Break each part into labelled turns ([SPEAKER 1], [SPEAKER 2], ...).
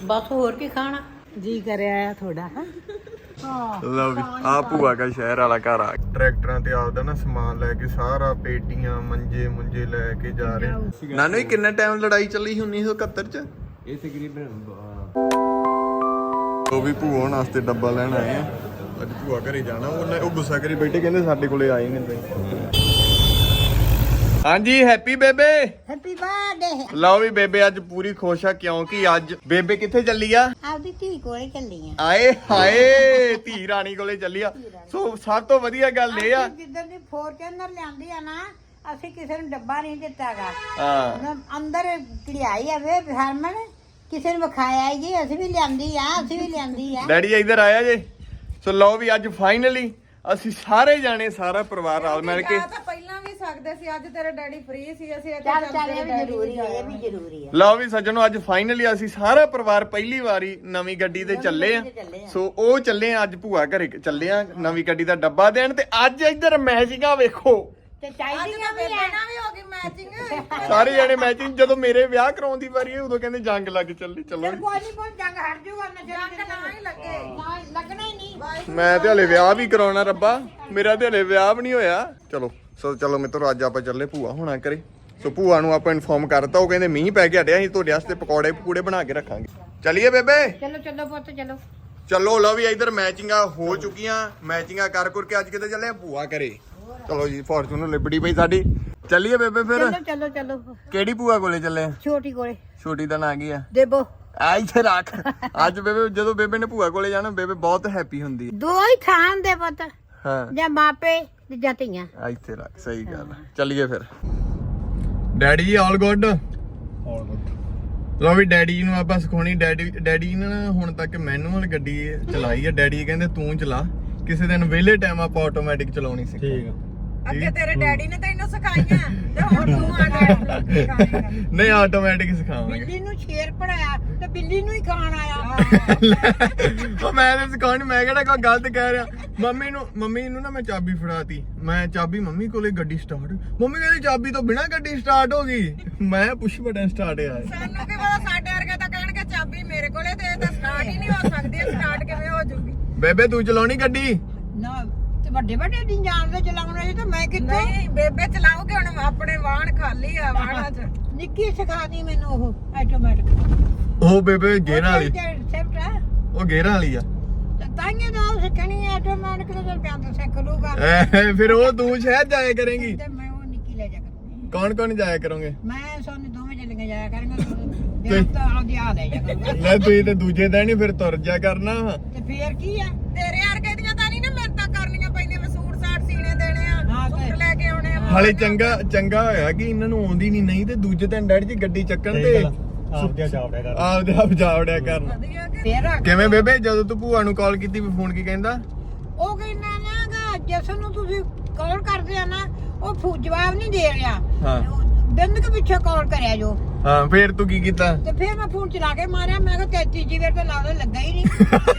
[SPEAKER 1] ਬਸ ਹੋਰ ਕੀ ਖਾਣਾ ਜੀ ਕਰਿਆ ਆ ਥੋੜਾ।
[SPEAKER 2] ਲਓ ਵੀ ਆ ਭੂਆ ਦਾ ਸ਼ਹਿਰ ਵਾਲਾ ਘਰ ਆ। ਟਰੈਕਟਰਾਂ ਤੇ ਆਪਦਾ ਨਾ ਸਮਾਨ ਲੈ ਕੇ ਸਾਰਾ ਪੇਟੀਆਂ ਮੰਜੇ ਮੁੰਜੇ ਲੈ ਕੇ ਜਾ ਰਹੇ। ਨਾਨੂ ਇਹ ਕਿੰਨਾ ਟਾਈਮ ਲੜਾਈ ਚੱਲੀ 1971 ਚ?
[SPEAKER 3] ਇਹ ਤਕਰੀਬਨ
[SPEAKER 2] ਉਹ ਵੀ ਭੂਆ ਹੋਣ ਵਾਸਤੇ ਡੱਬਾ ਲੈਣ ਆਏ ਆ। ਅੱਜ ਭੂਆ ਘਰੇ ਜਾਣਾ। ਉਹ ਗੁੱਸਾ ਕਰੀ ਬੈਠੇ, ਕਹਿੰਦੇ ਸਾਡੇ ਕੋਲੇ ਆਏ ਨਹੀਂ ਤੁਸੀਂ। ਹਾਂਜੀ ਹੈਪੀ ਬੇਬੇ।
[SPEAKER 1] Happy birthday.
[SPEAKER 2] ਲਓ ਵੀ ਬੇਬੇ ਅੱਜ ਪੂਰੀ ਖੁਸ਼ ਆ ਕਿਉਂਕਿ ਅੱਜ ਬੇਬੇ ਕਿੱਥੇ ਚੱਲੀ ਆ?
[SPEAKER 1] ਆਪਦੀ ਧੀ ਕੋਲੇ ਚੱਲੀ ਆ।
[SPEAKER 2] ਆਏ ਹਾਏ ਧੀ ਰਾਣੀ ਕੋਲੇ ਚੱਲੀ ਆ। ਸੋ ਸਭ ਤੋਂ ਵਧੀਆ ਗੱਲ ਇਹ ਆ
[SPEAKER 1] ਜਿੱਦਾਂ ਦੀ ਫੋਰਚੂਨਰ ਲਿਆਂਦੀ ਆ ਨਾ, ਅਸੀਂ ਕਿਸੇ ਨੂੰ ਡੱਬਾ ਨਹੀਂ ਦਿੱਤਾਗਾ।
[SPEAKER 2] ਹਾਂ
[SPEAKER 1] ਅੰਦਰ ਕਢਾਈ ਆਵੇ ਹਰਮਨ, ਕਿਸੇ ਨੂੰ ਵਿਖਾਇਆ ਜੀ ਅਸੀਂ ਵੀ ਲਿਆਂਦੀ ਆ।
[SPEAKER 2] ਡੈਡੀ ਇੱਧਰ ਆਇਆ ਜੇ। ਸੋ ਲਓ ਵੀ ਅੱਜ ਫਾਈਨਲੀ ਅਸੀਂ ਸਾਰੇ ਜਾਣੇ ਸਾਰਾ ਪਰਿਵਾਰ ਨਾਲ ਮਿਲ ਕੇ
[SPEAKER 4] ਤਾਂ ਪਹਿਲਾਂ ਵੀ ਸਕਦੇ ਸੀ, ਅੱਜ ਤੇਰੇ ਡੈਡੀ ਫ੍ਰੀ ਸੀ, ਅਸੀਂ
[SPEAKER 1] ਚੱਲ ਇਹ ਵੀ ਜ਼ਰੂਰੀ ਆ।
[SPEAKER 2] ਲਓ ਵੀ ਸੱਜਣੋ ਅੱਜ ਫਾਈਨਲੀ ਅਸੀਂ ਸਾਰਾ ਪਰਿਵਾਰ ਪਹਿਲੀ ਵਾਰੀ ਨਵੀਂ ਗੱਡੀ ਤੇ ਚੱਲੇ ਆ। ਸੋ ਉਹ ਚੱਲੇ ਆ ਅੱਜ ਭੂਆ ਘਰੇ ਚੱਲੇ ਆ ਨਵੀਂ ਗੱਡੀ ਦਾ ਡੱਬਾ ਦੇਣ। ਤੇ ਅੱਜ ਇੱਧਰ ਮੈਚਿੰਗਾਂ ਵੇਖੋ
[SPEAKER 1] ਤੇ ਚਾਹੀਦੀਆਂ ਵੀ
[SPEAKER 4] ਬੇਬੇ ਵੀ ਹੋ ਗਈ ਮੈਚਿੰਗ।
[SPEAKER 2] ਸਾਰੇ ਜਾਣੇ ਮੈਚਿੰਗ। ਜਦੋਂ ਮੇਰੇ ਵਿਆਹ ਕਰਾਉਣ ਦੀ ਵਾਰੀ ਹੈ ਉਦੋਂ ਕਹਿੰਦੇ ਜੰਗ ਲੱਗ ਚੱਲੀ। ਚਲੋ
[SPEAKER 1] ਕੋਈ ਨਹੀਂ ਜੰਗ ਹਟ ਜਾਊਗਾ ਨਾ,
[SPEAKER 4] ਜੰਗ ਨਾ ਹੀ ਲੱਗੇ,
[SPEAKER 1] ਲੱਗਣਾ ਹੀ ਨਹੀਂ।
[SPEAKER 2] ਮੈਂ ਤੇ ਹਲੇ ਵਿਆਹ ਵੀ ਕਰਾਉਣਾ ਰੱਬਾ, ਮੇਰਾ ਤੇ ਹਲੇ ਵਿਆਹ ਵੀ ਨਹੀਂ ਹੋਇਆ। ਚਲੋ ਮਿੱਤਰੋ ਅੱਜ ਆਪਾਂ ਚੱਲੇ ਭੂਆ ਹੋਣਾ ਕਰੇ। ਸੋ ਭੂਆ ਨੂੰ ਆਪਾਂ ਇਨਫੋਰਮ ਕਰਤਾ, ਉਹ ਕਹਿੰਦੇ ਮੀਂਹ ਪੈ ਕੇ ਹਟਿਆ, ਅਸੀਂ ਤੁਹਾਡੇ ਵਾਸਤੇ ਪਕੌੜੇ ਪਕੂੜੇ ਬਣਾ ਕੇ ਰੱਖਾਂਗੇ। ਚੱਲੀਏ ਬੇਬੇ।
[SPEAKER 1] ਚਲੋ ਪੁੱਤ ਚਲੋ।
[SPEAKER 2] ਚਲੋ ਲਓ ਵੀ ਇੱਧਰ ਮੈਚਿੰਗਾਂ ਹੋ ਚੁੱਕੀਆਂ। ਮੈਚਿੰਗਾਂ ਕਰ ਕੇ ਅੱਜ ਕਿਤੇ ਚੱਲੇ ਆ ਭੂਆ ਘਰੇ। ਚਲੋ ਜੀ ਫੋਰਚੂਨਰ ਲਿਬੜੀ ਪਈ ਸਾਡੀ। ਚੱਲੀਏ ਬੇਬੇ ਫਿਰ।
[SPEAKER 1] ਚਲੋ
[SPEAKER 2] ਕਿਹੜੀ ਭੂਆ ਕੋਲੇ ਚੱਲੇ?
[SPEAKER 1] ਛੋਟੀ ਕੋਲੇ।
[SPEAKER 2] ਛੋਟੀ ਦਾ ਨਾਂ ਕੀ ਆ?
[SPEAKER 1] ਦੇਬੋ।
[SPEAKER 2] ਆ ਇੱਥੇ ਰੱਖ। ਅੱਜ ਬੇਬੇ ਜਦੋਂ ਬੇਬੇ ਨੇ ਭੂਆ ਕੋਲੇ ਜਾਣਾ ਬੇਬੇ ਬਹੁਤ ਹੈਪੀ ਹੁੰਦੀ ਹੈ।
[SPEAKER 1] ਦੋ ਹੀ ਥਾਂ ਦੇ ਪੁੱਤ,
[SPEAKER 2] ਹਾਂ
[SPEAKER 1] ਜਾਂ ਮਾਪੇ ਤੇ ਜਾਂ ਧੀਆਂ।
[SPEAKER 2] ਆ ਇੱਥੇ ਰੱਖ। ਸਹੀ ਗੱਲ ਆ। ਚੱਲੀਏ ਫਿਰ। ਡੈਡੀ ਜੀ ਆਲ ਗੁੱਡ। ਲਓ ਵੀ ਡੈਡੀ ਨੂੰ ਆਪਾਂ ਸਿਖਾਉਣੀ। ਡੈਡੀ ਨੇ ਨਾ ਹੁਣ ਤੱਕ ਮੈਨੂਅਲ ਗੱਡੀ ਚਲਾਈ ਹੈ। ਡੈਡੀ ਕਹਿੰਦੇ ਤੂੰ ਚਲਾ, ਕਿਸੇ ਦਿਨ ਵਿਹਲੇ ਟਾਈਮ ਆਪਾਂ ਆਟੋਮੈਟਿਕ ਚਲਾਉਣੀ ਸਿੱਖ। ਠੀਕ ਆ।
[SPEAKER 4] ਅੱਗੇ ਤੇਰੇ ਡੈਡੀ ਨੇ ਤੈਨੂੰ ਸਿਖਾਈਆਂ ਤੇ ਹੁਣ ਤੂੰ ਆ ਗਿਆ।
[SPEAKER 2] ਨਹੀਂ ਆਟੋਮੈਟਿਕ ਸਿਖਾਵਾਂਗੇ।
[SPEAKER 1] ਬਿੱਲੀ ਨੂੰ ਸ਼ੇਰ ਪੜਾਇਆ ਤੇ ਬਿੱਲੀ ਨੂੰ ਹੀ ਖਾਣ ਆਇਆ।
[SPEAKER 2] ਉਹ ਮੈਂ ਤਾਂ ਸਿਖਾਉਣੀ, ਮੈਂ ਕਿਹੜਾ ਕੋਈ ਗਲਤ ਕਹਿ ਰਿਹਾ। ਮੰਮੀ ਨੂੰ ਨਾ ਮੈਂ ਚਾਬੀ ਫੜਾਤੀ। ਮੈਂ ਚਾਬੀ ਮੰਮੀ ਕੋਲੇ, ਗੱਡੀ ਸਟਾਰਟ। ਮੰਮੀ ਕਹਿੰਦੀ ਚਾਬੀ ਤੋਂ ਬਿਨਾ ਗੱਡੀ ਸਟਾਰਟ ਹੋ ਗਈ। ਮੈਂ ਪੁਸ਼ ਬਟਨ ਸਟਾਰਟ ਆ।
[SPEAKER 4] ਸਾਨੂੰ ਕੀ ਪਤਾ, ਸਾਡੇ ਵਰਗੇ ਤਾਂ ਕਹਿਣਗੇ ਚਾਬੀ ਮੇਰੇ ਕੋਲੇ ਤੇ ਇਹ ਤਾਂ ਸਟਾਰਟ ਹੀ ਨਹੀਂ ਹੋ ਸਕਦੀ। ਸਟਾਰਟ ਕਿਵੇਂ ਹੋ ਜੂਗੀ?
[SPEAKER 2] ਬੇਬੇ ਤੂੰ ਚਲਾਉਣੀ ਗੱਡੀ?
[SPEAKER 1] ਨਾ ਤੇ ਵੱਡੇ ਨਹੀਂ ਜਾਣਦੇ ਚਲਾਉਣੇ ਤਾਂ ਮੈਂ ਕਿੱਥੇ।
[SPEAKER 4] ਨਹੀਂ ਬੇਬੇ ਚਲਾਉਗੇ ਹੁਣ, ਆਪਣੇ ਵਾਹਣ ਖਾਲੀ ਆ ਵਾਹਣਾਂ 'ਚ।
[SPEAKER 1] ਨਿੱਕੀ ਸਿਖਾਦੀ ਮੈਨੂੰ ਉਹ ਆਟੋਮੈਟਿਕ।
[SPEAKER 2] ਉਹ ਬੇਬੇ ਗੇਅਰਾਂ ਵਾਲੀ।
[SPEAKER 1] ਸੈਫਟ ਹੈ
[SPEAKER 2] ਉਹ ਗੇਅਰਾਂ ਵਾਲੀ ਆ।
[SPEAKER 1] ਤੇ ਤਾਂਗੇ ਤਾਂ ਉਹ ਸਿੱਖਣੀ ਹੈ ਆਟੋਮੈਟਿਕ। ਤੇ ਚੱਲ ਪਿਆ ਤਾਂ ਸਿੱਖ ਲੂਗਾ।
[SPEAKER 2] ਫਿਰ ਉਹ ਤੂੰ ਸ਼ਾਇਦ ਜਾਇਆ ਕਰੇਂਗੀ।
[SPEAKER 1] ਤੇ ਮੈਂ ਉਹ ਨਿੱਕੀ ਲੈ ਜਾ ਕਰੂੰਗੀ।
[SPEAKER 2] ਕੌਣ ਜਾਇਆ ਕਰੋਗੇ?
[SPEAKER 1] ਮੈਂ ਸੋਨੇ ਦੋਵੇਂ ਚੱਲੀਆਂ ਜਾਇਆ ਕਰਾਂਗੇ। ਤੇ ਤਾਂ ਆਦੀ ਆ ਲੈ ਜਾ ਕਰੂੰਗਾ।
[SPEAKER 2] ਲੈ ਤੁਸੀਂ ਤੇ ਦੂਜੇ ਦਿਨ ਹੀ ਫਿਰ ਤੁਰ ਜਾ ਕਰਨਾ।
[SPEAKER 1] ਤੇ ਫੇਰ ਕੀ ਆ?
[SPEAKER 4] ਤੇਰੇ ਵਰਗੇ ਦੀਆਂ ਤਾਂ ਨਹੀਂ ਨਾ ਮਿਹਨਤਾਂ ਕਰਨੀਆਂ ਪੈਂਦੀਆਂ। ਮੈਂ ਸੂਟ ਸਾਟ ਸੀਨੇ ਦੇਣੇ ਆ,
[SPEAKER 1] ਹਾਂ ਤੇ
[SPEAKER 4] ਸੂਟ ਲੈ ਕੇ ਆਉਣੇ ਆ।
[SPEAKER 2] ਹਾਲੇ ਚੰਗਾ ਹੋਇਆ ਕਿ ਇਹਨਾਂ ਨੂੰ ਆਉਂਦੀ ਨਹੀਂ ਤੇ ਦੂਜੇ ਦਿਨ ਡੈਡੀ ਜੀ ਗੱਡੀ ਚੱਕਣ ਤੇ ਆਪਦੇ ਆਪ ਜਾਵੜਿਆ ਕਰਨ।
[SPEAKER 4] ਵਧੀਆ ਕਿ
[SPEAKER 1] ਫੇਰ ਆ
[SPEAKER 2] ਕਿਵੇਂ ਬੇਬੇ ਜਦੋਂ ਤੂੰ ਭੂਆ ਨੂੰ ਕਾਲ ਕੀਤੀ ਫੋਨ ਕੀ ਕਹਿੰਦਾ?
[SPEAKER 1] ਉਹ ਕਹਿੰਦਾ ਨਾਗਾ ਜਿਸ ਨੂੰ ਤੁਸੀਂ ਕਾਲ ਕਰਦੇ ਆ ਨਾ ਉਹ ਜਵਾਬ ਨਹੀਂ ਦੇ ਰਿਹਾ।
[SPEAKER 2] ਹਾਂ
[SPEAKER 1] ਬਿੰਦ ਕੇ ਪਿੱਛੇ ਕਾਲ ਕਰਿਆ ਜੋ।
[SPEAKER 2] ਹਾਂ ਫੇਰ ਤੂੰ ਕੀ ਕੀਤਾ?
[SPEAKER 1] ਤੇ ਫੇਰ ਮੈਂ ਫੋਨ ਚਲਾ ਕੇ ਮਾਰਿਆ। ਮੈਂ ਕਿਹਾ 33 ਵਾਰ ਤਾਂ ਲੱਗਾ ਹੀ ਨਹੀਂ।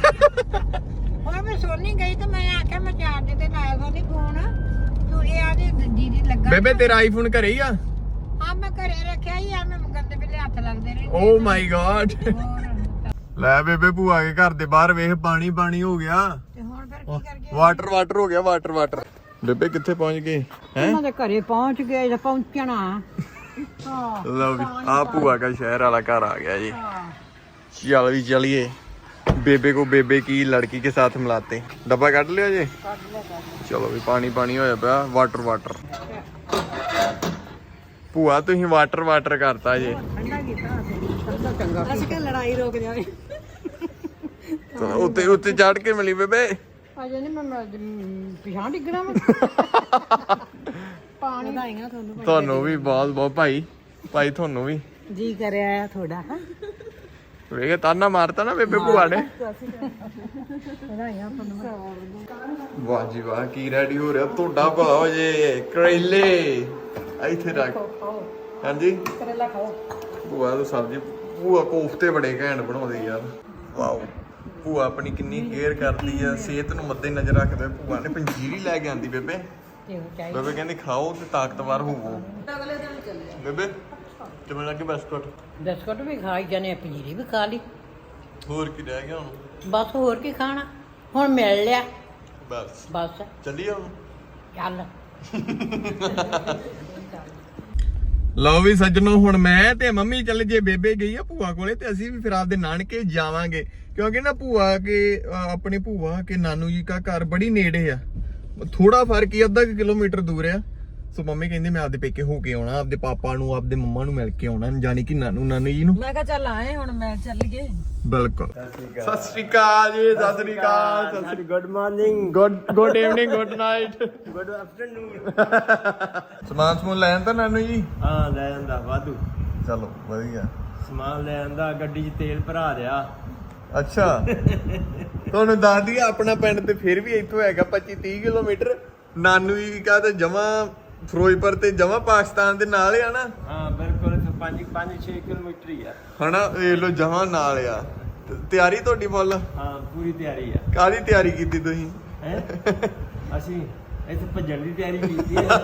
[SPEAKER 1] ਹੁਣ ਮੈਂ ਸੋਨੀ ਗਈ ਤੇ ਮੈਂ ਆਖਿਆ ਮੈਂ ਚਾਰਜ ਤੇ ਲਾਇਆ ਸੋਨੀ ਫੋਨ। ਤੂੰ ਇਹ ਆਦੀ ਦੀਦੀ ਲੱਗਾ।
[SPEAKER 2] ਬੇਬੇ ਤੇਰਾ ਆਈਫੋਨ ਘਰੇ ਹੀ ਆ?
[SPEAKER 1] ਹਾਂ ਮੈਂ ਘਰੇ ਰੱਖਿਆ ਹੀ ਆ। ਮੈਂ ਗੰਦੇ ਵੇਲੇ ਹੱਥ ਲੱਗਦੇ ਰਹੇ।
[SPEAKER 2] Oh my God.
[SPEAKER 1] ਹੋਰ
[SPEAKER 2] ਲੈ ਬੇਬੇ ਭੂਆ ਕੇ ਘਰ ਦੇ ਬਾਹਰ ਵੇਖ ਪਾਣੀ ਹੋ ਗਿਆ।
[SPEAKER 1] ਤੇ ਹੁਣ ਫਿਰ ਕੀ ਕਰ ਗਿਆ?
[SPEAKER 2] ਵਾਟਰ ਹੋ ਗਿਆ ਵਾਟਰ। ਬੇਬੇ ਕਿੱਥੇ ਪਹੁੰਚ ਗਏ ਹੈ?
[SPEAKER 1] ਉਹਨਾਂ ਦੇ ਘਰੇ ਪਹੁੰਚ ਗਏ ਜਾਂ ਪਹੁੰਚਣਾ। ਹਾਂ
[SPEAKER 2] ਲਓ ਵੀ ਆ ਭੂਆ ਦਾ ਸ਼ਹਿਰ ਵਾਲਾ ਘਰ ਆ ਗਿਆ ਜੀ। चल भी चलिए। बेबे को बेबे की लड़की के साथ मिलाते। डब्बा कट लिया जी? चलो भी पानी होया पिया। वाटर भूआ तुसीं वाटर करता जी।
[SPEAKER 1] लड़ाई रोक जाए।
[SPEAKER 2] उत्ते उत्ते चढ़ के मिली बेबे।
[SPEAKER 1] अजे नहीं मैं पिछां डिगना मैं। पानी ਵਧਾਈਆਂ
[SPEAKER 2] ਤੁਹਾਨੂੰ ਵੀ ਬਹੁਤ ਭਾਈ ਤੁਹਾਨੂੰ ਵੀ
[SPEAKER 1] ਜੀ ਕਰਿਆ ਆ ਥੋੜਾ। ਹਾਂ
[SPEAKER 2] ਵੇਖ ਤਾਨਾ ਮਾਰਤਾ ਨਾ ਬੇਬੇ ਭੂਆ ਨੇ।
[SPEAKER 1] ਵਧਾਈਆਂ ਤੁਹਾਨੂੰ।
[SPEAKER 2] ਵਾਹ ਜੀ ਵਾਹ ਕੀ ਰੈਡੀ ਹੋ ਰਿਹਾ ਤੁਹਾਡਾ ਭਾ ਹੋ ਜੇ। ਕਰੇਲੇ ਇੱਥੇ ਰੱਖ। ਹਾਂਜੀ
[SPEAKER 1] ਕਰੇਲਾ ਖਾਓ।
[SPEAKER 2] ਭੂਆ ਦੀ ਸਬਜ਼ੀ। ਭੂਆ ਕੋਫਤੇ ਬੜੇ ਘੈਂਟ ਬਣਾਉਂਦੀ ਯਾਰ। ਵਾਓ ਭੂਆ ਆਪਣੀ ਕਿੰਨੀ ਕੇਅਰ ਕਰਦੀ ਆ, ਸਿਹਤ ਨੂੰ ਮੱਦੇ ਨਜ਼ਰ ਰੱਖਦੇ। ਭੂਆ ਨੇ ਪੰਜੀਰੀ ਲੈ ਕੇ ਆਂਦੀ ਬੇਬੇ। ਬੇਬੇ ਕਹਿੰਦੀ ਖਾਓ ਤੇ ਤਾਕਤਵਰ ਹੋਵੋ।
[SPEAKER 4] ਅਗਲੇ ਦਿਨ ਚੱਲੇ
[SPEAKER 2] ਬੇਬੇ ਕਿਵੇਂ ਲੱਗੇ ਬਿਸਕੁਟ?
[SPEAKER 1] ਬਿਸਕੁਟ ਵੀ ਖਾਈ ਜਾਣੇ, ਪੰਜੀਰੀ ਵੀ ਖਾ ਲਈ।
[SPEAKER 2] ਹੋਰ ਕੀ ਰਹਿ ਗਿਆ ਹੁਣ?
[SPEAKER 1] ਬਸ ਹੋਰ ਕੀ ਖਾਣਾ, ਹੁਣ ਮਿਲ ਲਿਆ
[SPEAKER 2] ਬਸ
[SPEAKER 1] ਬਸ,
[SPEAKER 2] ਚੱਲੀਏ ਹੁਣ।
[SPEAKER 1] ਚੱਲ।
[SPEAKER 2] ਲਓ ਵੀ ਸੱਜਣੋ, ਹੁਣ ਮੈਂ ਤੇ ਮੰਮੀ ਚੱਲ ਜੇ ਬੇਬੇ ਗਈ ਆ ਭੂਆ ਕੋਲੇ ਤੇ ਅਸੀਂ ਵੀ ਫਿਰ ਆਪਦੇ ਨਾਨਕੇ ਜਾਵਾਂਗੇ, ਕਿਉਂਕਿ ਨਾ ਭੂਆ ਕੇ ਆਪਣੀ ਭੂਆ ਕੇ ਨਾਨੂ ਜੀ ਦਾ ਘਰ ਬੜੀ ਨੇੜੇ ਆ, ਥੋੜਾ ਫਰਕ ਹੀ ਅੱਧਾ ਕਿਲੋਮੀਟਰ ਦੂਰ ਆ। ਸੋ ਮੰਮੀ ਕਹਿੰਦੀ ਮੈਂ ਆਪਦੇ ਪੇਕੇ ਹੋ ਕੇ ਆਉਣਾ, ਆਪਦੇ ਪਾਪਾ ਨੂੰ ਆਪਦੇ ਮੰਮਾ ਨੂੰ ਮਿਲ ਕੇ ਆਉਣਾ, ਜਾਨੀ ਕਿ ਨਾਨੂ ਜੀ ਨੂੰ।
[SPEAKER 4] ਮੈਂ ਕਿਹਾ ਚੱਲ ਆਏ ਹੁਣ ਮੈਂ ਚੱਲ ਗਏ।
[SPEAKER 2] ਬਿਲਕੁਲ। ਸਤਿ Shri Akal ji, Sat Shri Akal,
[SPEAKER 3] good morning,
[SPEAKER 2] good evening, good night,
[SPEAKER 3] good afternoon.
[SPEAKER 2] ਸਮਾਨ ਸਮੂਨ ਲੈ ਆਂਦਾ ਨਾਨੂ ਜੀ?
[SPEAKER 3] ਹਾਂ ਲੈ ਆਂਦਾ ਵਾਧੂ
[SPEAKER 2] ਚਲੋ ਵਧੀਆ।
[SPEAKER 3] ਸਮਾਨ ਲੈ ਆਂਦਾ, ਗੱਡੀ 'ਚ ਤੇਲ ਭਰਾ ਲਿਆ।
[SPEAKER 2] ਅੱਛਾ ਤੁਹਾਨੂੰ ਦੱਸ ਦਈਏ ਆਪਣਾ ਪਿੰਡ ਤੇ ਫਿਰ ਵੀ ਇੱਥੋਂ ਹੈਗਾ 25-30 ਕਿਲੋਮੀਟਰ। ਨਾਨੂ ਜੀ ਕਾ ਤੇ ਜਮਾ ਫਿਰੋਜ਼ਪੁਰ ਤੇ ਜਮਾ ਪਾਕਿਸਤਾਨ ਦੇ ਨਾਲ ਆ ਨਾ।
[SPEAKER 3] ਹਾਂ ਬਿਲਕੁਲ, 5-6 ਕਿਲੋਮੀਟਰ ਹੀ ਆ।
[SPEAKER 2] ਹਨਾ ਇਹ ਲੋ ਜਮਾ ਨਾਲ ਆ। ਤਿਆਰੀ ਤੁਹਾਡੀ ਫੁੱਲ?
[SPEAKER 3] ਹਾਂ ਪੂਰੀ ਤਿਆਰੀ ਆ।
[SPEAKER 2] ਕਾਹਦੀ ਤਿਆਰੀ ਕੀਤੀ ਤੁਸੀਂ?
[SPEAKER 3] ਹੈ ਅਸੀਂ ਇੱਥੇ ਭੱਜਣ ਦੀ ਤਿਆਰੀ ਕੀਤੀ ਹੈ।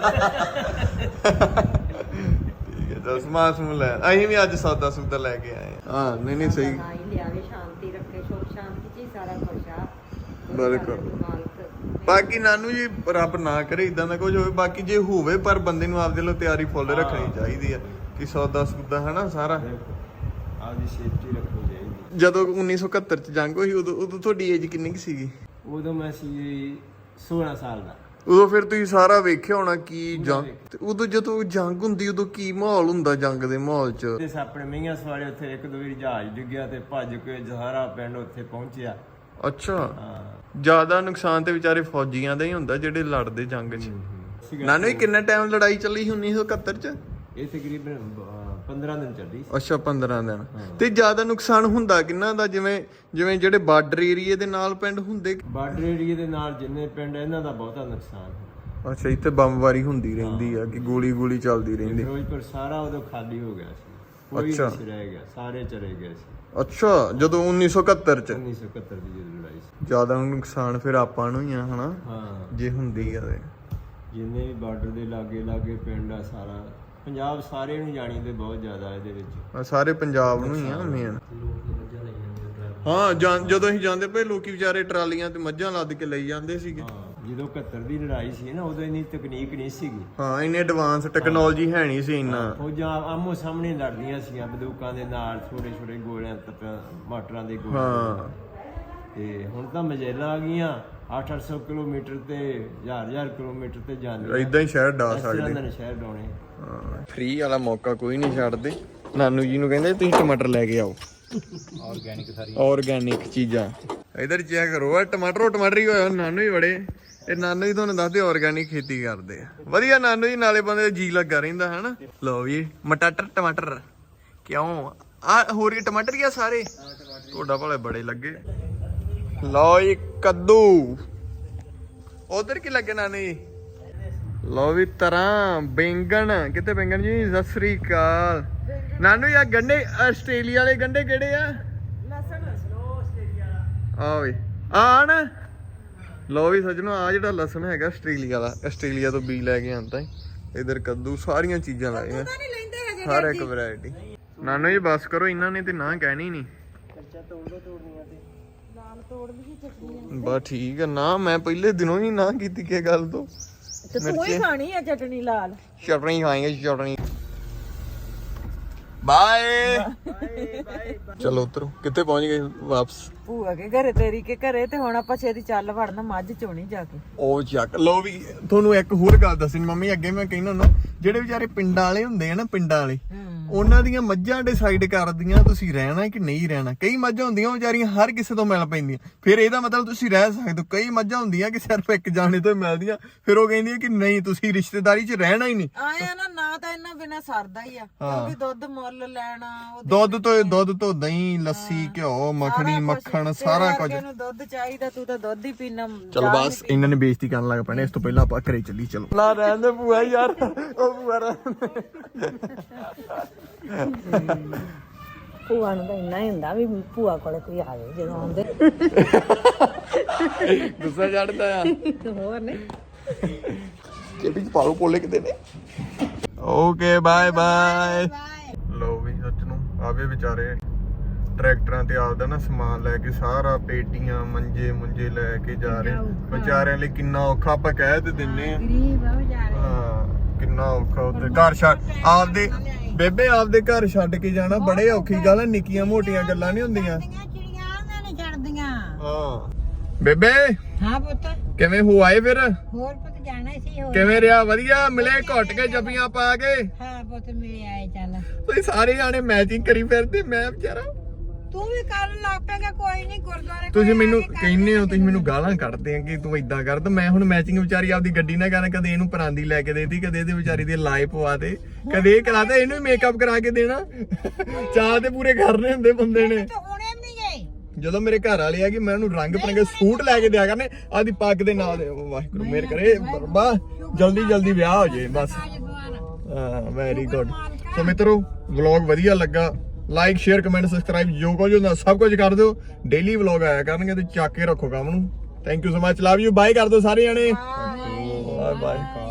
[SPEAKER 2] ਠੀਕ ਹੈ, ਤਾਂ ਸਮਾਨ ਸਮੂਨ ਲੈ ਅਸੀਂ ਵੀ ਅੱਜ ਸੌਦਾ ਸੁਦਾ ਲੈ ਕੇ ਆਏ ਹਾਂ। ਨਹੀਂ ਨਹੀਂ ਸਹੀ,
[SPEAKER 1] ਲਿਆਵੇ, ਸ਼ਾਂਤੀ ਰੱਖੇ, ਸੁਖ ਸ਼ਾਂਤੀ ਚ ਸਾਰਾ ਕੁਝ ਆ।
[SPEAKER 2] ਬਿਲਕੁਲ। ਬਾਕੀ ਨਾਨੂ ਜੀ ਰੱਬ ਨਾ ਕਰੇ ਇਦਾਂ ਦਾ ਕੁਝ ਹੋਵੇ, ਬਾਕੀ ਜੇ ਹੋਵੇ ਪਰ ਬੰਦੇ ਨੂੰ ਆਪਦੇ ਲਈ ਤਿਆਰੀ ਫੁੱਲ ਰੱਖਣੀ ਚਾਹੀਦੀ ਆ ਕਿ ਸੌਦਾ ਸੁਦਾ ਹਨਾ ਸਾਰਾ।
[SPEAKER 3] ਆਪਦੀ ਸੇਫਟੀ ਰੱਖਣੀ ਚਾਹੀਦੀ।
[SPEAKER 2] ਜਦੋਂ 1971 ਚ ਜੰਗ ਹੋਈ ਉਦੋਂ ਤੁਹਾਡੀ ਏਜ ਕਿੰਨੀ ਕੁ ਸੀਗੀ?
[SPEAKER 3] ਉਦੋਂ ਮੈਂ ਸੀ 16 ਸਾਲ ਦਾ।
[SPEAKER 2] ਉਦੋਂ ਫਿਰ ਤੁਸੀਂ ਸਾਰਾ ਵੇਖਿਆ ਹੋਣਾ ਕੀ ਜੰਗ, ਤੇ ਉਦੋਂ ਜਦੋਂ ਜੰਗ ਹੁੰਦੀ ਉਦੋਂ ਕੀ ਮਾਹੌਲ ਹੁੰਦਾ ਜੰਗ ਦੇ ਮਾਹੌਲ ਚ?
[SPEAKER 3] ਤੇ ਆਪਣੇ ਮਈਆਂ ਸਵਾਲੇ ਉੱਥੇ ਇੱਕ ਦੋ ਵਾਰੀ ਜਹਾਜ਼ ਡਿੱਗਿਆ ਤੇ ਭੱਜ ਕੇ ਸਾਰਾ ਪਿੰਡ ਉੱਥੇ ਪਹੁੰਚਿਆ।
[SPEAKER 2] ਅੱਛਾ,
[SPEAKER 3] ਹਾਂ
[SPEAKER 2] ਜ਼ਿਆਦਾ ਨੁਕਸਾਨ ਤੇ ਵਿਚਾਰੇ ਫੌਜੀਆਂ ਦਾ ਹੀ ਹੁੰਦਾ ਜਿਹੜੇ ਲੜਦੇ ਜੰਗ 'ਚ।
[SPEAKER 3] ਸੀਗਾ।
[SPEAKER 2] ਨਾਨੂ ਜੀ ਕਿੰਨਾ ਟਾਈਮ ਲੜਾਈ ਚੱਲੀ ਸੀ 1971 ਚ?
[SPEAKER 3] ਇਹ ਤਕਰੀਬਨ 15 ਦਿਨ ਚੱਲੀ ਸੀ।
[SPEAKER 2] ਅੱਛਾ 15 ਦਿਨ। ਤੇ ਜ਼ਿਆਦਾ ਨੁਕਸਾਨ ਹੁੰਦਾ ਕਿੰਨਾ ਦਾ? ਜਿਵੇਂ ਜਿਹੜੇ ਬਾਰਡਰ ਏਰੀਏ ਦੇ ਨਾਲ ਪਿੰਡ ਹੁੰਦੇ?
[SPEAKER 3] ਬਾਰਡਰ ਏਰੀਏ ਦੇ ਨਾਲ ਜਿੰਨੇ ਪਿੰਡ ਇਹਨਾਂ ਦਾ ਬਹੁਤਾ ਨੁਕਸਾਨ ਹੋਇਆ।
[SPEAKER 2] ਅੱਛਾ, ਇੱਥੇ ਬੰਬਵਾਰੀ ਹੁੰਦੀ ਰਹਿੰਦੀ ਆ ਕਿ ਗੋਲੀ ਚੱਲਦੀ ਰਹਿੰਦੀ?
[SPEAKER 3] ਫਿਰੋਜ਼ਪੁਰ ਸਾਰਾ ਉਦੋਂ ਖਾਲੀ ਹੋ ਗਿਆ ਸੀ, ਕੋਈ
[SPEAKER 2] ਅੱਛਾ।
[SPEAKER 3] ਨਹੀਂ ਰਹਿ ਗਿਆ, ਸਾਰੇ ਚਲੇ ਗਏ ਸੀ।
[SPEAKER 2] ਅੱਛਾ, ਜਦੋਂ 1971 ਚ
[SPEAKER 3] 1971 ਦੀ ਜਦੋਂ ਲੜਾਈ ਸੀ।
[SPEAKER 2] ਜ਼ਿਆਦਾ ਨੁਕਸਾਨ ਫਿਰ ਆਪਾਂ ਨੂੰ ਹੀ ਆ ਹਨਾ,
[SPEAKER 3] ਹਾਂ
[SPEAKER 2] ਜੇ ਹੁੰਦੀ ਆ ਤੇ।
[SPEAKER 3] ਜਿੰਨੇ ਵੀ ਬਾਰਡਰ ਦੇ ਲਾਗੇ ਪਿੰਡ ਆ, ਸਾਰਾ ਪੰਜਾਬ ਸਾਰੇ ਨੂੰ ਜਾਣੀ ਤੇ ਬਹੁਤ ਜ਼ਿਆਦਾ ਇਹਦੇ ਵਿੱਚ।
[SPEAKER 2] ਸਾਰੇ ਪੰਜਾਬ ਨੂੰ ਹੀ ਆ ਮੇਨ। ਹਾਂ ਜਦੋਂ ਅਸੀਂ ਜਾਂਦੇ ਪਏ ਲੋਕੀ ਵਿਚਾਰੇ ਟਰਾਲੀਆਂ ਤੇ ਮੱਝਾਂ ਲੱਦ ਕੇ ਲਈ ਜਾਂਦੇ ਸੀਗੇ।
[SPEAKER 3] ਹਾਂ ਜਦੋਂ 71 ਦੀ ਲੜਾਈ ਸੀ ਨਾ, ਉਦੋਂ ਇੰਨੀ ਤਕਨੀਕ ਨਹੀਂ ਸੀਗੀ।
[SPEAKER 2] ਹਾਂ ਇੰਨੇ ਐਡਵਾਂਸ ਟੈਕਨੋਲੋਜੀ ਹੈ ਨਹੀਂ ਸੀ ਇੰਨਾ।
[SPEAKER 3] ਫੌਜਾਂ ਆਮੋ ਸਾਹਮਣੇ ਲੜਦੀਆਂ ਸੀਗੀਆਂ ਬੰਦੂਕਾਂ ਦੇ ਨਾਲ, ਛੋਟੇ ਗੋਲਿਆਂ ਮਾਟਰਾਂ ਦੇ ਗੋਲੇ।
[SPEAKER 2] ਹਾਂ
[SPEAKER 3] ਤੇ ਹੁਣ ਤਾਂ ਮਜੈਲਾਂ ਆ ਗਈਆਂ, 800 ਕਿਲੋਮੀਟਰ ਤੇ 1000 ਕਿਲੋਮੀਟਰ ਤੇ ਜਾਂਦੇ।
[SPEAKER 2] ਇਦਾਂ ਹੀ ਸ਼ਹਿਰ ਡਾ
[SPEAKER 3] ਇਸ
[SPEAKER 2] ਸਕਦੇ।
[SPEAKER 3] ਤਰ੍ਹਾਂ ਦੇ ਸ਼ਹਿਰ ਡਾਉਣੇ।
[SPEAKER 2] ਫ੍ਰੀ ਵਾਲਾ ਮੌਕਾ ਕੋਈ ਨਹੀਂ ਛੱਡਦੇ। ਨਾਨੂ ਜੀ ਨੂੰ ਕਹਿੰਦੇ ਤੁਸੀਂ ਟਮਾਟਰ ਲੈ ਕੇ ਆਓ, ਆਰਗੈਨਿਕ ਚੀਜ਼ਾਂ। ਇਧਰ ਚੈੱਕ ਕਰੋ, ਆ ਟਮਾਟਰ ਹੀ ਹੋਇਆ। ਨਾਨੂ ਹੀ ਬੜੇ, ਇਹ ਨਾਨੂ ਜੀ ਤੁਹਾਨੂੰ ਦੱਸਦੇ ਆਰਗੈਨਿਕ ਖੇਤੀ ਕਰਦੇ ਆ। ਵਧੀਆ ਨਾਨੂ ਜੀ, ਨਾਲੇ ਬੰਦੇ ਦਾ ਜੀ ਲੱਗਾ ਰਹਿੰਦਾ ਹਨਾ। ਲਓ ਜੀ ਟਮਾਟਰ ਕਿਉਂ ਆ? ਹੋਰ ਕੀ ਟਮਾਟਰ ਹੀ ਆ ਸਾਰੇ? ਤੁਹਾਡਾ ਭਲੇ ਬੜੇ ਲੱਗੇ। ਲਓ ਜੀ ਕੱਦੂ, ਉਧਰ ਕੀ ਲੱਗੇ ਨਾਨੂ ਜੀ? ਲਓ ਵੀ ਤਰ੍ਹਾਂ ਬੈਂਗਣ, ਕਿਤੇ ਬੈਂਗਣ ਜੀ? ਸਤਿ ਸ੍ਰੀ ਅਕਾਲ ਨਾਨੂ ਜੀ। ਆ ਗੰਡੇ ਆਸਟ੍ਰੇਲੀਆ ਵਾਲੇ ਗੰਡੇ ਕਿਹੜੇ ਆ? ਆ ਵੀ ਆ ਨਾ। ਲਓ ਵੀ ਸੱਜਣੋ, ਆ ਜਿਹੜਾ ਲਸਣ ਹੈਗਾ ਆਸਟ੍ਰੇਲੀਆ ਦਾ, ਆਸਟ੍ਰੇਲੀਆ ਤੋਂ ਬੀਜ ਲੈ ਕੇ ਆਂਦਾ। ਇਧਰ ਕੱਦੂ, ਸਾਰੀਆਂ ਚੀਜ਼ਾਂ ਲਾਈਆਂ, ਹਰ ਇੱਕ ਵੈਰਾਈਟੀ। ਨਾਨੂ ਜੀ ਬਸ ਕਰੋ, ਇਹਨਾਂ ਨੇ ਤੇ ਨਾ ਕਹਿਣੀ ਨਹੀਂ। ਬਸ ਠੀਕ ਆ ਨਾ, ਮੈਂ ਪਹਿਲੇ ਦਿਨੋਂ ਹੀ ਨਾ ਕੀਤੀ ਕਿ ਗੱਲ ਤੋਂ।
[SPEAKER 4] ਤੇ ਤੂੰ ਹੀ ਖਾਣੀ ਆ ਚਟਣੀ ਲਾਲ।
[SPEAKER 2] ਚਟਨੀ ਖਾਏਂਗੇ, ਚਟਨੀ। ਬਾਏ ਚਲੋ ਉਤਰੋ। ਕਿੱਥੇ ਪਹੁੰਚ ਗਏ ਵਾਪਸ?
[SPEAKER 4] ਭੂਆ ਕੇ ਘਰੇ, ਤੇਰੀ ਕੇ ਘਰੇ। ਤੇ ਹੁਣ ਆਪਾਂ ਛੇਤੀ ਚੱਲ ਵੜਨਾ ਮੱਝ ਚੋਣੀ ਜਾ ਕੇ।
[SPEAKER 2] ਉਹ ਚੱਕ ਲਓ ਵੀ। ਤੁਹਾਨੂੰ ਇੱਕ ਹੋਰ ਗੱਲ ਦੱਸਣੀ ਮੰਮੀ, ਅੱਗੇ ਮੈਂ ਕਹਿੰਦਾ ਹੁੰਦਾ, ਜਿਹੜੇ ਵਿਚਾਰੇ ਪਿੰਡਾਂ ਵਾਲੇ ਹੁੰਦੇ ਆ ਨਾ, ਪਿੰਡਾਂ ਵਾਲੇ, ਉਹਨਾਂ ਦੀਆਂ ਮੱਝਾਂ ਡਿਸਾਈਡ ਕਰਦੀਆਂ ਤੁਸੀਂ ਰਹਿਣਾ ਕਿ ਨਹੀਂ ਰਹਿਣਾ। ਕਈ ਮੱਝਾਂ ਹੁੰਦੀਆਂ ਵਿਚਾਰੀਆਂ ਹਰ ਕਿਸੇ ਤੋਂ ਮਿਲ ਪੈਂਦੀਆਂ, ਫਿਰ ਇਹਦਾ ਮਤਲਬ ਤੁਸੀਂ ਰਹਿ ਸਕਦੇ ਹੋ। ਕਈ ਮੱਝਾਂ ਹੁੰਦੀਆਂ ਕਿ ਸਿਰਫ ਇੱਕ ਜਾਣੇ ਤੋਂ ਮਿਲਦੀਆਂ, ਫਿਰ ਉਹ ਕਹਿੰਦੀਆਂ ਕਿ ਨਹੀਂ ਤੁਸੀਂ ਰਿਸ਼ਤੇਦਾਰੀ 'ਚ ਰਹਿਣਾ ਹੀ ਨਹੀਂ।
[SPEAKER 4] ਆਇਆ ਨਾ ਤਾਂ ਇਹਨਾਂ ਬਿਨਾ ਸਰਦਾ ਹੀ ਆ, ਕਿਉਂਕਿ ਦੁੱਧ ਮੁੱਲ ਲੈਣਾ,
[SPEAKER 2] ਦੁੱਧ ਤੋਂ ਦਹੀਂ, ਲੱਸੀ, ਘਿਓ, ਮੱਖਣੀ, ਮੱਖਣ, ਸਾਰਾ ਕੁਝ।
[SPEAKER 4] ਇਹਨੂੰ ਦੁੱਧ ਚਾਹੀਦਾ, ਤੂੰ ਤਾਂ ਦੁੱਧ ਹੀ ਪੀਣਾ।
[SPEAKER 2] ਚਲੋ ਬਸ ਇਹਨਾਂ ਨੇ ਬੇਇੱਜ਼ਤੀ ਕਰਨ ਲੱਗ ਪੈਣੇ, ਇਸ ਤੋਂ ਪਹਿਲਾਂ ਆਪਾਂ ਘਰੇ ਚੱਲੀ। ਚਲੋ ਨਾ ਰਹਿੰਦੇ ਭੂਆ ਯਾਰ, ਉਹ ਭੂਆ
[SPEAKER 1] ਭੂਆ ਨੂੰ ਤਾਂ ਇੰਨਾ ਹੀ ਹੁੰਦਾ ਵੀ ਭੂਆ ਕੋਲੇ ਕੋਈ ਆਵੇ ਜਦੋਂ ਆਉਂਦੇ।
[SPEAKER 2] ਗੁੱਸਾ ਚੜਦਾ ਆ।
[SPEAKER 1] ਹੋਰ ਨੇ
[SPEAKER 2] ਕਿ ਵੀ ਪਾਲੋ ਪੋਲੇ ਕਿਤੇ ਨੇ। Okay bye bye. ਲੋ ਵੀ ਸੱਚ ਨੂੰ ਆਵੇ ਵਿਚਾਰੇ ਟਰੈਕਟਰਾਂ ਤੇ ਆਪਦਾ ਨਾ ਸਮਾਨ ਲੈ ਕੇ ਸਾਰਾ ਪੇਟੀਆਂ ਮੰਜੇ ਮੁੰਜੇ ਲੈ ਕੇ ਜਾ ਰਹੇ ਵਿਚਾਰਿਆਂ ਲਈ ਕਿੰਨਾ ਔਖਾ ਆਪਾਂ ਕਹਿ ਤੇ ਦਿੰਨੇ ਆ
[SPEAKER 1] ਗਰੀਬ ਆ ਵਿਚਾਰੇ
[SPEAKER 2] ਹਾਂ ਕਿੰਨਾ ਔਖਾ ਉੱਤੇ ਘਰ ਛੱਡ ਆਪਦੇ ਬੇਬੇ ਆਪਦੇ ਘਰ ਛੱਡ ਕੇ ਜਾਣਾ ਬੜੇ ਔਖੀ ਗੱਲ ਆ ਨਿੱਕੀਆਂ ਮੋਟੀਆਂ ਗੱਲਾਂ ਨਹੀਂ ਹੁੰਦੀਆਂ
[SPEAKER 1] ਚਿੜੀਆਂ ਉਹਨਾਂ ਨੇ ਛੱਡਦੀਆਂ
[SPEAKER 2] ਹਾਂ ਬੇਬੇ
[SPEAKER 1] ਹਾਂ ਪੁੱਤ
[SPEAKER 2] ਕਿਵੇਂ ਹੋ ਆਏ ਫਿਰ
[SPEAKER 1] ਹੋਰ ਪੁੱਤ ਜਾਣਾ ਸੀ ਹੋਰ
[SPEAKER 2] ਕਿਵੇਂ ਰਿਹਾ ਵਧੀਆ ਮਿਲੇ ਘੁੱਟ ਕੇ ਜੱਫੀਆਂ ਪਾ ਕੇ
[SPEAKER 1] ਹਾਂ ਪੁੱਤ ਮਿਲੇ ਆਏ ਚੱਲ
[SPEAKER 2] ਤੁਸੀਂ ਸਾਰੇ ਜਾਣੇ ਮੈਚਿੰਗ ਕਰੀ ਫਿਰਦੇ ਮੈਂ ਵਿਚਾਰਾ
[SPEAKER 1] ਤੂੰ ਵੀ ਕਰ ਲੱਗ ਪੈਗਾ ਕੋਈ ਨਹੀਂ ਗੁਰਦੁਆਰੇ
[SPEAKER 2] ਤੁਸੀਂ ਮੈਨੂੰ ਕਹਿੰਦੇ ਹੋ ਤੁਸੀਂ ਮੈਨੂੰ ਗਾਲਾਂ ਕੱਢਦੇ ਆ ਕਿ ਤੂੰ ਇਦਾਂ ਕਰ ਤਾਂ ਮੈਂ ਹੁਣ ਮੈਚਿੰਗ ਵਿਚਾਰੀ ਆਪਦੀ ਗੱਡੀ ਨਾਲ ਕਰਾਂ ਕਦੇ ਇਹਨੂੰ ਪਰਾਂਦੀ ਲੈ ਕੇ ਦੇਤੀ ਕਦੇ ਇਹਦੇ ਵਿਚਾਰੀ ਦੇ ਲਾਏ ਪਵਾ ਦੇ ਕਦੇ ਇਹ ਕਰਾਤਾ ਇਹਨੂੰ ਵੀ ਮੇਕਅਪ ਕਰਾ ਕੇ ਦੇਣਾ ਚਾਹ ਤੇ ਪੂਰੇ ਕਰਨੇ ਹੁੰਦੇ ਬੰਦੇ ਨੇ
[SPEAKER 1] ਤੂੰ ਹੁਣੇ ਵੀ ਨਹੀਂ ਗਏ
[SPEAKER 2] ਜਦੋਂ ਮੇਰੇ ਘਰ ਵਾਲੇ ਆ ਕਿ ਮੈਂ ਉਹਨੂੰ ਰੰਗ ਬਰੰਗੇ ਸੂਟ ਲੈ ਕੇ ਦਿਆ ਕਰਨੇ ਆਦੀ ਪੱਗ ਦੇ ਨਾਲ ਵਾਹਿਗੁਰੂ ਮੇਰ ਕਰੇ ਬਾ ਜਲਦੀ ਜਲਦੀ ਵਿਆਹ ਹੋ ਜੇ ਬਸ
[SPEAKER 1] ਅੱਜ ਦੁਆਰਾ
[SPEAKER 2] ਹਾਂ ਵੈਰੀ ਗੁੱਡ ਸੋ ਮਿੱਤਰੋ ਵਲੌਗ ਵਧੀਆ ਲੱਗਾ ਲਾਈਕ ਸ਼ੇਅਰ ਕਮੈਂਟ ਸਬਸਕ੍ਰਾਈਬ ਜੋ ਕੁਝ ਹੁੰਦਾ ਸਭ ਕੁਝ ਕਰ ਦਿਓ ਡੇਲੀ ਵਲੌਗ ਆਇਆ ਕਰਨਗੇ ਤੇ ਚੱਕ ਕੇ ਰੱਖੋ ਕੰਮ ਨੂੰ thank you so much love you bye ਕਰ ਦਿਓ ਸਾਰੇ ਜਣੇ ਬਾਏ ਬਾਏ